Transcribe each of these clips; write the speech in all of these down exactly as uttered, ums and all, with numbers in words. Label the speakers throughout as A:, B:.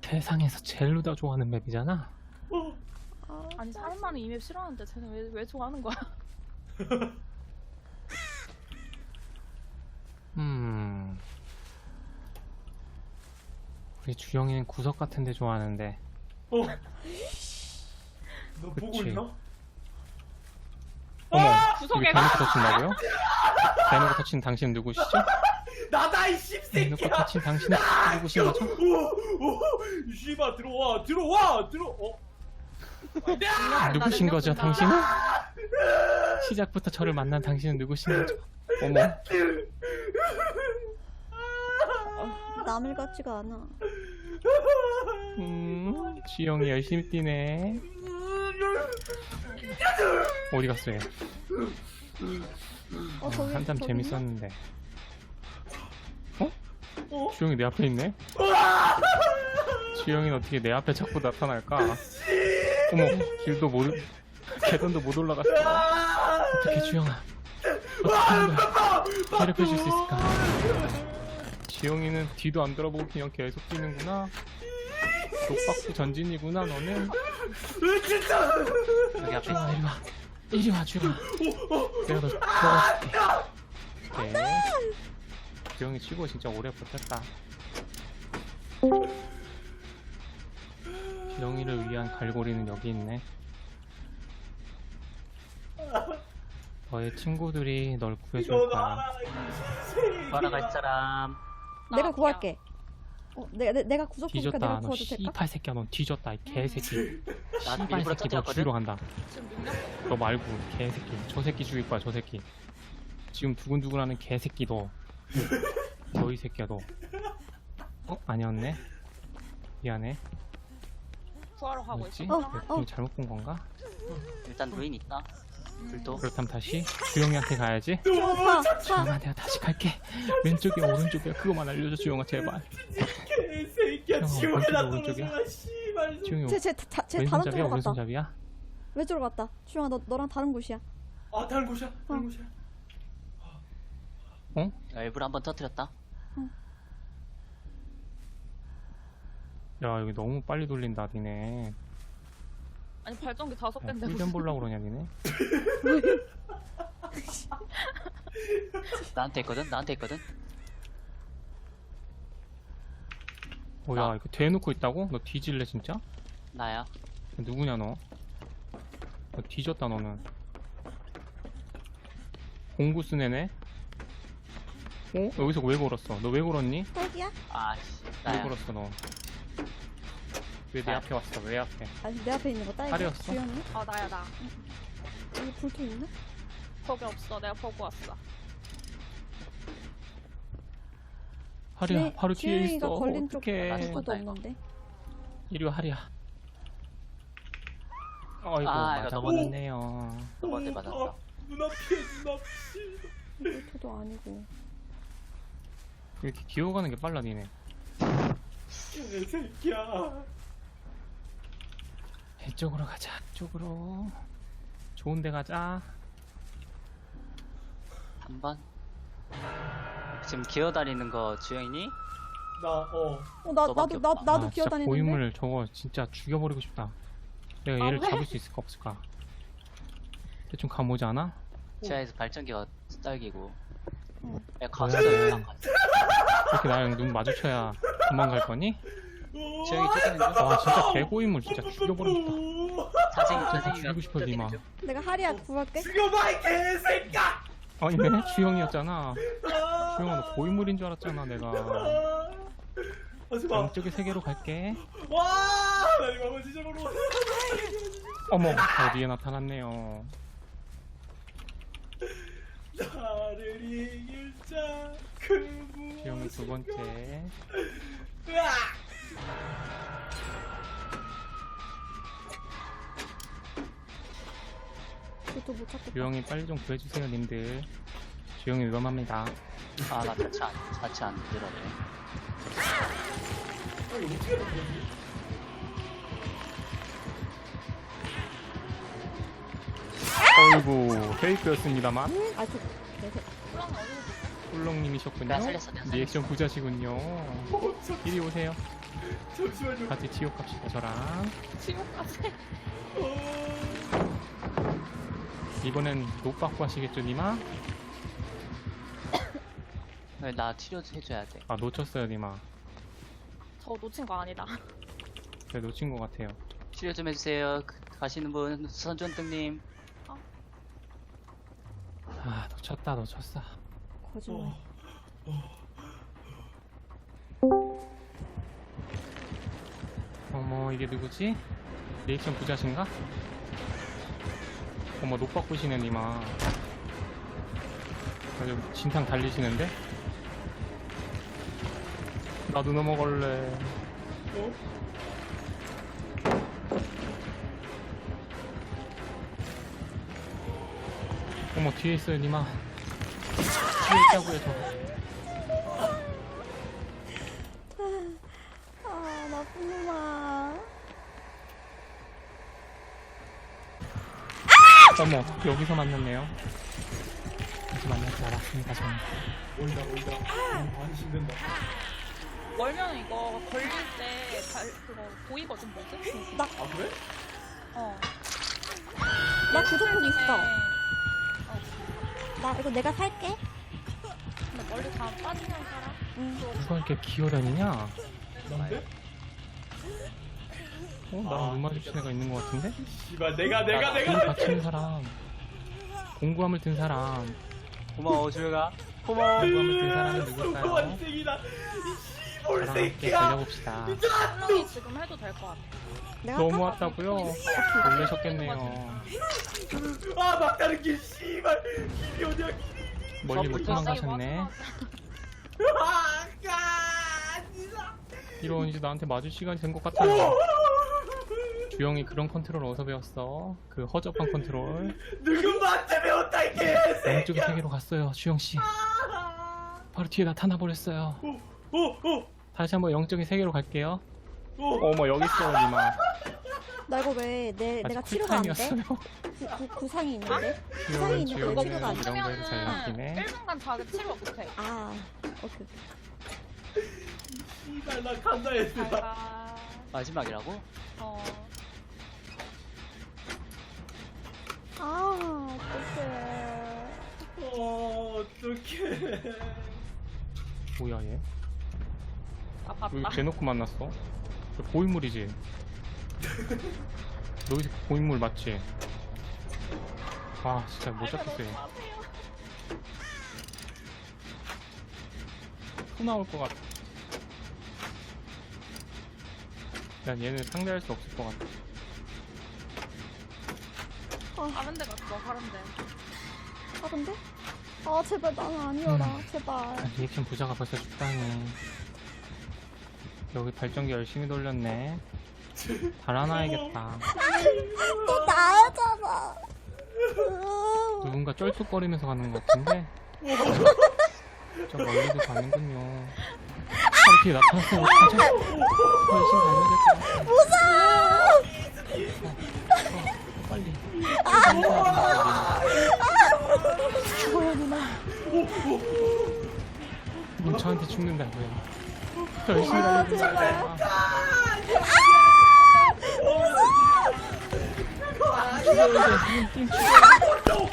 A: 세상에서 제일 루다 좋아하는 맵이잖아.
B: 아,
C: 아니 사람만은 이 맵 싫어하는데 쟤는 왜, 왜 좋아하는 거야?
A: 음. 우리 주영이는 구석 같은 데 좋아하는데.
B: 어. 너 보고
A: 그치.
B: 있나?
A: 어머,
C: 구석에
A: 이게 대놓고 터친다고요? 대놓고 터친 당신 누구시죠?
B: 나다 이
A: 대놓고
B: 씹새끼야.
A: 터친 당신은 누구신 거죠?
B: 오오 씨발 들어와 들어와 들어. 어.
A: 누구신 거죠, 당신은? 시작부터 저를 만난 당신은 누구신 거죠? 어머,
D: 남일 같지가 않아.
A: 음, 주영이 열심히 뛰네. 어디 갔어, 얘?
D: 어, 저기,
A: 한참
D: 저기
A: 재밌었는데. 어?
B: 어?
A: 주영이 내 앞에 있네? 주영이는 어떻게 내 앞에 자꾸 나타날까? 어머, 길도 못, 계단도 못 올라갔어. 어떻게 주영아? 어떻게 하는 거야? 괴롭혀줄 수 있을까? 주영이는 뒤도 안 돌아보고 그냥 계속 뛰는구나. 독박수 전진이구나, 너는. 여기 앞에 있어, 이리 와. 이리 와, 주영아. 내가 너 도와줄게. 오케이. 주영이 치고 진짜 오래 버텼다. 주영이를 위한 갈고리는 여기 있네. 너의 친구들이 널 구해줄 거야.
E: 구하러 갈 사람.
D: 내가
C: 나야.
D: 구할게. 어, 내가 내, 내가 구석이니까
A: 뒤졌다.
D: 내가
A: 너
D: 구워도 될까?
A: 씨발 새끼야. 너 뒤졌다. 이 개새끼.
E: 나
A: 씨발
E: 일부러
A: 새끼 너
E: 터뜨렸거든.
A: 죽이러 간다.
C: 지금 능력
A: 너 말고 개새끼. 저 새끼 죽일 거야. 저 새끼. 지금 두근두근하는 개새끼 너. 너 이 새끼야 너. 어? 아니었네. 미안해.
C: 구하러 가고
A: 뭐였지?
C: 있어.
D: 어,
A: 내가
D: 어.
A: 잘못 본 건가?
E: 일단 루인 있다. 불도.
A: 그렇다면 다시 주영이한테 가야지.
D: 차, 차.
A: 주영아 내가 다시 갈게. 왼쪽이야 오른쪽이야 그거만 알려줘 주영아 제발.
B: 개새끼야
A: 형,
B: 지옥에
A: 오른쪽이야,
B: 나
A: 오른쪽이야.
B: 떨어져라 씨발.
A: 주영이
D: 쟤, 쟤, 다, 쟤 다른
A: 왼손잡이야
D: 쪽으로 갔다.
A: 오른손잡이야?
D: 왼쪽으로 갔다. 주영아, 너, 너랑 다른 곳이야.
B: 아 다른 곳이야 다른 곳이야.
A: 어?
E: 나 일부러 한번 터뜨렸다.
A: 야 여기 너무 빨리 돌린다 니네.
C: 아니 발전기 다섯
A: 야,
C: 개인데
A: 꿀잼 보려고 그러냐 니네?
E: 나한테 있거든. 나한테 있거든.
A: 뭐야
E: 나.
A: 이거 대놓고 있다고? 너 뒤질래 진짜?
E: 나야.
A: 누구냐 너? 너 뒤졌다 너는. 공구 쓴 애네? 어? 여기서 왜 걸었어? 너 왜 걸었니?
D: 딸기야?
E: 아씨.
A: 왜
E: 나야.
A: 걸었어 너? 왜 내
E: 나.
A: 앞에 왔어? 왜 앞에?
D: 아니, 내 앞에 있는 거 딸기야?
A: 딸이었어?
D: 주영이?
C: 아 나야 나.
D: 여기 불통 있나?
C: 거기 없어. 내가 보고 왔어.
A: 하리야
D: 주영-
A: 바로 뒤에
D: 주영이가
A: 있어.
D: 걸린 쪽
A: 어떡해.
E: 맞아.
D: 아무것도
E: 이거.
D: 없는데.
A: 이리 와 하리야. 아이고
E: 아, 이거
A: 맞아
E: 넘어졌네.
A: 버렸네요.
E: 너한테 맞았다.
B: 아, 눈앞이야 눈앞이.
D: 불토도 아니고.
A: 왜 이렇게 기어가는 게 빨라 니네.
B: 개새끼야.
A: 이쪽으로 가자. 이쪽으로. 좋은 데 가자.
E: 한 번. 지금 기어다니는 거 주영이니?
B: 나 어.
D: 어, 나,
E: 너밖에
D: 나도, 나,
E: 없다.
D: 나도
A: 아, 진짜
D: 기어다니는데.
A: 고인물 저거 진짜 죽여버리고 싶다. 내가
C: 아,
A: 얘를
C: 왜?
A: 잡을 수 있을까 없을까? 대충 감오지 않아?
E: 지하에서 발전기가 딸기고.
D: 응.
E: 야 가서
A: 뭐야, 돼.
E: 나
A: 이렇게 나랑 눈 마주쳐야 도망갈 거니?
E: 주영이 쫓아낸 중.
A: 와 진짜 개고인물 진짜 죽여버리고 싶다.
E: 자생이
A: 진짜
E: 자생이가
A: 죽이고 싶어 니마.
E: 쫓아내는 중.
D: 내가 하리야 구할게.
B: 죽여봐 이 개새끼야.
A: 아니네 주영이었잖아. 주영아 너 고인물인 줄 알았잖아 내가.
B: 하지마.
A: 왼쪽의 세계로 갈게.
B: 와. 나 이거 한번 찢어버려.
A: 어머 어디에 나타났네요.
B: 나를 이길 자. 그
A: 주영이 두 번째.
B: 으악!
D: 불토 못 찾겠다.
A: 주영이 빨리 좀 구해주세요 님들. 주영이 위험합니다.
E: 아나 자체 안 자체 안 들어네.
B: 아니 어떻게 된 거지?
A: 어이구 페이크였습니다만
D: 아, 저, 계속.
C: 그럼 어디서
A: 꿀렁님이셨군요.
E: 내가 살렸어, 내가 살렸어.
A: 리액션 부자시군요. 이리 오세요.
B: 잠시만요.
A: 같이 지옥 갑시다 저랑.
C: 지옥까지.
B: 어...
A: 이번엔 노빠꾸 하시겠죠 니마?
E: 네, 나 치료 해줘야 돼.
A: 아 놓쳤어요 니마.
C: 저 놓친 거 아니다.
A: 제가 놓친 것 같아요.
E: 치료 좀 해주세요. 그- 가시는 분 선전등님.
A: 아 놓쳤다 놓쳤어.
D: 거짓말.
A: 어머 이게 누구지? 리액션 부자신가? 어머 노빠꾸시네 니마. 아주 진상 달리시는데? 나도 넘어갈래.
B: 어?
A: 어머 뒤에 있어요 니마. 뒤에 있다고요 저.
D: 아, 나쁜 놈아.
A: 어머 여기서 만났네요. 다시 만날 줄 알았습니다 저는.
B: 멀다 멀다. 음, 안심된다.
C: 멀면 이거 걸릴 때 발, 그거 보이거든, 뭐지?
D: 나,
B: 아 그래?
C: 어.
D: 나 구조품 있어.
C: 어.
D: 나 이거 내가 살게.
C: 근데 멀리 다 빠지면 살아.
D: 응.
A: 누가 이렇게 기어다니냐?
B: 난데?
A: 어? 나랑 눈 마주친 애가 있는 것 같은데?
B: 씨발 내가 내가
A: 눈
B: 내가
A: 받치는 사람. 공구함을 든 사람.
E: 고마워 주영아. 고마워.
A: 공구함을 든 사람은 누굴까요?
B: 소관생이다. 이 씨볼
A: 저랑 함께
B: 새끼야.
A: 달려봅시다.
C: 설렁이 지금 해도 될 것 같아.
D: 내가
A: 너무
D: 할까?
A: 왔다고요? 놀라셨겠네요.
B: 아 막다른 길 씨발 길이 어디야 길이.
A: 멀리 못
E: 저부터
A: 도망가셨네.
B: 아 진짜.
A: 이런 이제 나한테 맞을 시간이 된 것 같아요. 주영이 그런 컨트롤 어디서 배웠어? 그 허접한 컨트롤.
B: 누군가한테 배웠다 이
A: 왼쪽의
B: 개새끼야.
A: 세계로 갔어요, 주영씨. 바로 뒤에 나타나 버렸어요.
B: 오오오
A: 다시 한번 영적인 세계로 갈게요.
B: 오.
A: 어머 여기 있어요, 니마.
D: 나 이거 왜 내, 내가
A: 아직
D: 치료가 안 돼?
A: 쿨타임이었어요.
D: 구, 구, 구상이 있는데? 구상이
A: 귀여운
D: 있는데 왜
A: 주영이는
D: 치료가 안 돼?
A: 이런 거에서 잘 낚이네.
C: 일 분간 자기 치료 못해.
D: 아, 오케이.
B: 씨발 나 간다 했어.
C: 잘가.
E: 마지막이라고?
C: 어.
D: 아, 어떡해.
B: 어 어떡해.
A: 뭐야 얘?
C: 아,
A: 왜
C: 봤다.
A: 대놓고 만났어? 저 고인물이지? 너 여기서 고인물 맞지? 아 진짜 못 잡겠어 얘. 또 나올 것 같아. 난 얘는 상대할 수 없을 것 같아.
C: 다른 데 갔어, 다른 데.
D: 아, 근데? 아, 제발 나는 아니어라.
A: 음.
D: 제발.
A: 아, 리액션 부자가 벌써 죽다니. 여기 발전기 열심히 돌렸네. 달아놔야겠다.
D: 또 나잖아.
A: 누군가 쩔뚝거리면서 가는 것 같은데? 저 멀리도 가는군요. 바로 뒤에 나타났어요. 어떡하죠? 더 열심히 달려야 될 것 같아.
D: 무서워!
A: 어, 빨리.
D: 죽어요, 누나.
A: 넌 저한테 죽는다고요. 더 열심히
D: 아,
A: 달려야
D: 제발.
A: 돼.
B: 아,
A: 죽여야 돼. 팀 죽여.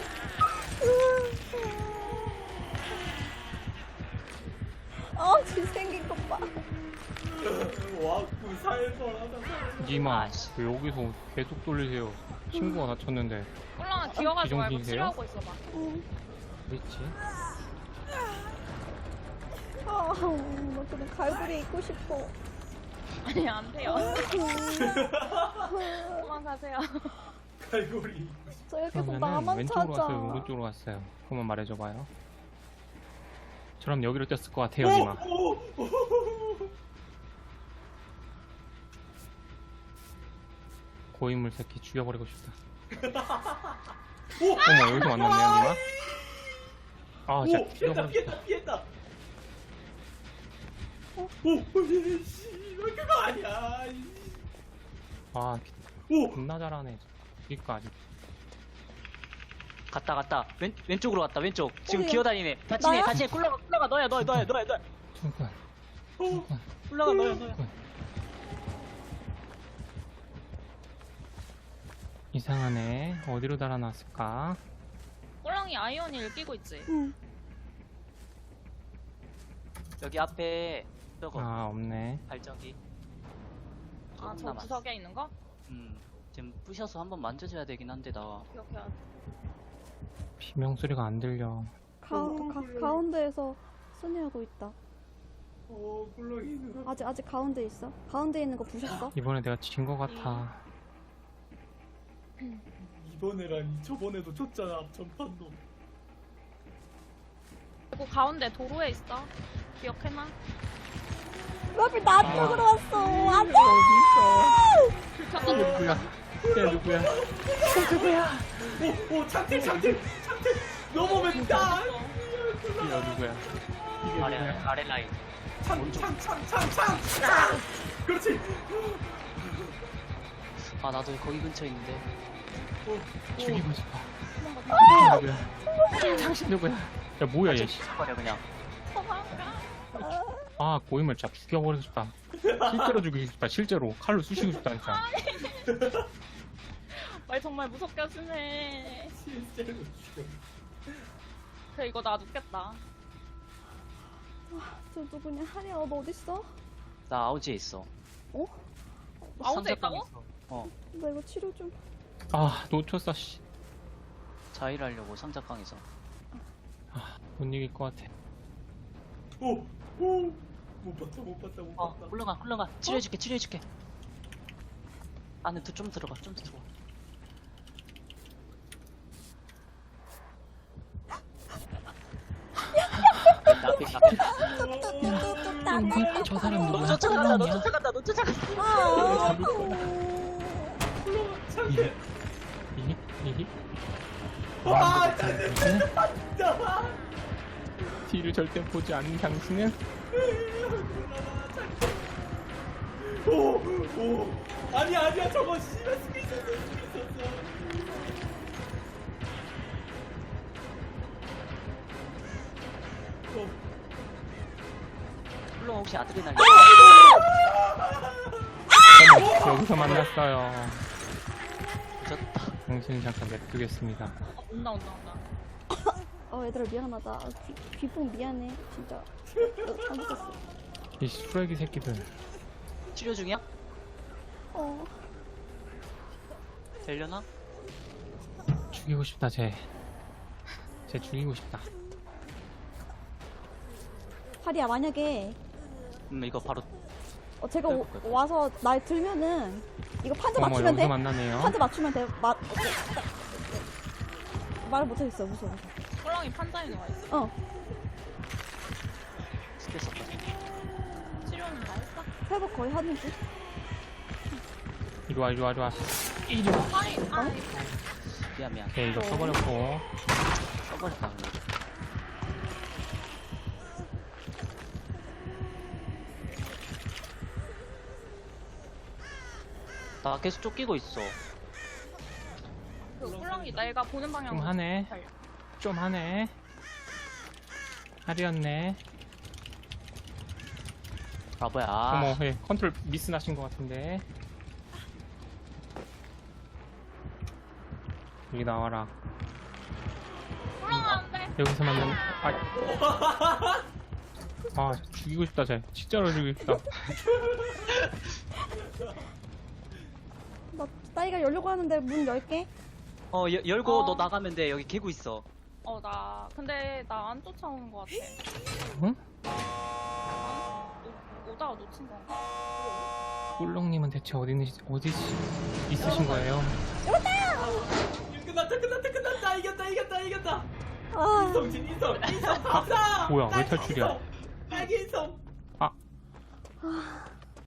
D: 어, 지 생긴 것 봐.
B: 와 구사해서하다.
A: 니마, 왜 여기서 계속 돌리세요? 친구가 다쳤는데.
C: 꼴랑아 기어가지 말고
A: 비정신이세요?
C: 치료하고 있어봐.
D: 응.
A: 그랬지?
D: 아, 나 그냥 갈고리 입고 싶어.
C: 아니, 안 돼요. 도망가세요.
B: 갈고리.
D: 저 계속
A: 그러면은
D: 나만
A: 왼쪽으로
D: 찾아.
A: 갔어요? 오른쪽으로 갔어요? 그만 말해줘봐요. 저럼 여기로 뛰었을 것 같아요, 니마.
B: 오, 오, 오.
A: 고인물 새끼 죽여버리고 싶다.
B: 오,
A: 어머, 여기서 만났네요, 니마. 아,
B: 오,
A: 진짜
B: 피했다,
A: 죽여버리고 싶다.
B: 피했다, 피했다. 오, 오, 씨, 그거 아니야.
A: 아,
B: 오,
A: 겁나 잘하네. 여기까지.
E: 갔다 갔다. 왼 왼쪽으로 갔다. 왼쪽. 지금
D: 어디야?
E: 기어다니네. 같이 해
D: 나야?
E: 같이 해. 굴러가 굴러가. 너야 너야 너야 너야 너야. 너야.
A: 두근,
B: 오,
A: 두근.
C: 올라가 너야 너야.
A: 이상하네. 어디로 달아놨을까?
C: 꼴랑이 아이언이 끼고 있지.
D: 응.
E: 여기 앞에 저거
A: 아, 없네.
E: 발전기.
C: 아
E: 조금
C: 저
E: 남았어.
C: 구석에 있는 거?
E: 음, 지금 부셔서 한번 만져줘야 되긴 한데 나.
C: 이렇게.
A: 비명 소리가 안 들려.
D: 가운,
B: 어,
D: 가,
B: 그래.
D: 가운데에서 순회하고 있다.
B: 어 꿀렁이 누나.
D: 아직 아직 가운데 있어? 가운데 있는 거 부셨어?
A: 이번에 내가 진 것 같아.
B: 이번에라니 저번에도 졌잖아 앞전판도.
C: 그리고 가운데 도로에 있어. 기억해놔.
D: 왜 하필 나 쪽으로 왔어? 안돼!
C: 불켰어.
A: 누구야? 야, 누구야?
B: 오오 창틀 창틀 창틀 넘어면 다.
A: 이게 누구야? 이게
E: 아래
A: 누구야?
E: 아래 라인.
B: 창창창창창. 그렇지.
E: 아 나도 거기 근처에 있는데.
A: 죽이고 싶어. 이게 누구야? 당신 누구야? 야, 뭐야, 얘. 씨.
E: 버려 그냥.
A: 아, 고인물 진짜 죽여버리고 싶다. 실제로 죽이고 싶다. 실제로. 칼로 쑤시고 싶다니까.
C: 말 정말 무섭게 하시네.
B: 실제로 죽여.
C: 그래 이거 나 눕겠다.
D: 저 누구냐? 하리야 너 어딨어?
E: 나 아우지에 있어.
D: 어?
C: 아우지에 있다고?
E: 어.
D: 나 이거 치료 좀.
A: 아, 놓쳤어, 씨.
E: 자일하려고 상자깡에서.
A: 아, 못 이길 것 같아.
B: 오오못 봤다 못 봤다 못
E: 어,
B: 봤다.
E: 올라가, 올라가. 치료해줄게, 치료해줄게. 안에 더 좀 들어가, 좀 더 들어가. 나비, 나비.
A: 저 사람 누구야?
E: 쫓아간다, 너 쫓아간다, 너 쫓아간다.
D: 아,
A: 이히? 이히? 이히?
B: 아 창틀 봤다.
A: 뒤를 절대 보지 않는 당신은?
B: 오오 아니야 아니야 저거 씨발 쓰고 있었어 쓰고 있었어. 어.
E: 물론 혹시 아드레날린.
A: 어머, 여기서 만났어요.
E: 늦었다.
A: 당신은 잠깐 냅두겠습니다.
C: 어, 온다 온다 온다.
D: 어 얘들아 미안하다. 귀, 귀풍 미안해. 진짜. 어, 잘못했어.
A: 이 쓰레기 새끼들.
E: 치료 중이야?
D: 어.
E: 되려나?
A: 죽이고 싶다, 쟤. 쟤 죽이고 싶다.
D: 하리야 만약에
E: 음, 이거 바로.
D: 어, 제가 오, 와서 날 들면은 이거 판자
A: 어머,
D: 맞추면
A: 여기서
D: 돼?
A: 만나네요.
D: 판자 맞추면 돼. 마, 말을 못하겠어. 무서워.
C: 꼴랑이 판자에 와 있어.
D: 어.
E: 스킬 썼다.
C: 치료는 다 했어.
D: 회복 거의 하는지.
A: 이리 와, 이리 와, 이리 와. 이리 와.
C: 아이 아이.
E: 미안, 미안.
A: 오케이, 이거 써버렸고.
E: 써버렸다, 그냥. 나 계속 쫓기고 있어.
C: 그 꼴랑이 내가 보는 방향으로.
A: 좀 하네.
C: 달려.
A: 좀 하네. 하리였네.
E: 바보야.
A: 어머, 예, 컨트롤 미스 나신 것 같은데. 여기 나와라.
C: 꼴랑아 안 돼.
A: 여기서 만나는. 아, 아, 죽이고 싶다, 쟤. 진짜로 죽이고 싶다.
D: 나 따위가 열려고 하는데 문 열게.
E: 어, 여, 열고
C: 어.
E: 너 나가면 돼. 여기 개구 있어.
C: 어 나 근데 나 안 쫓아오는 것 같아.
A: 응?
C: 오, 오다가 놓친 건가?
A: 꿀렁님은 대체 어디, 있- 어디 있- 있으신 거예요?
B: 이거 끝났다 끝났다 끝났다 이겼다 이겼다 이겼다.
D: 아,
B: 인성진 인성 인성 박사.
A: 뭐야, 왜
B: 딸기
A: 탈출이야?
B: 인성, 딸기 인성.
A: 아,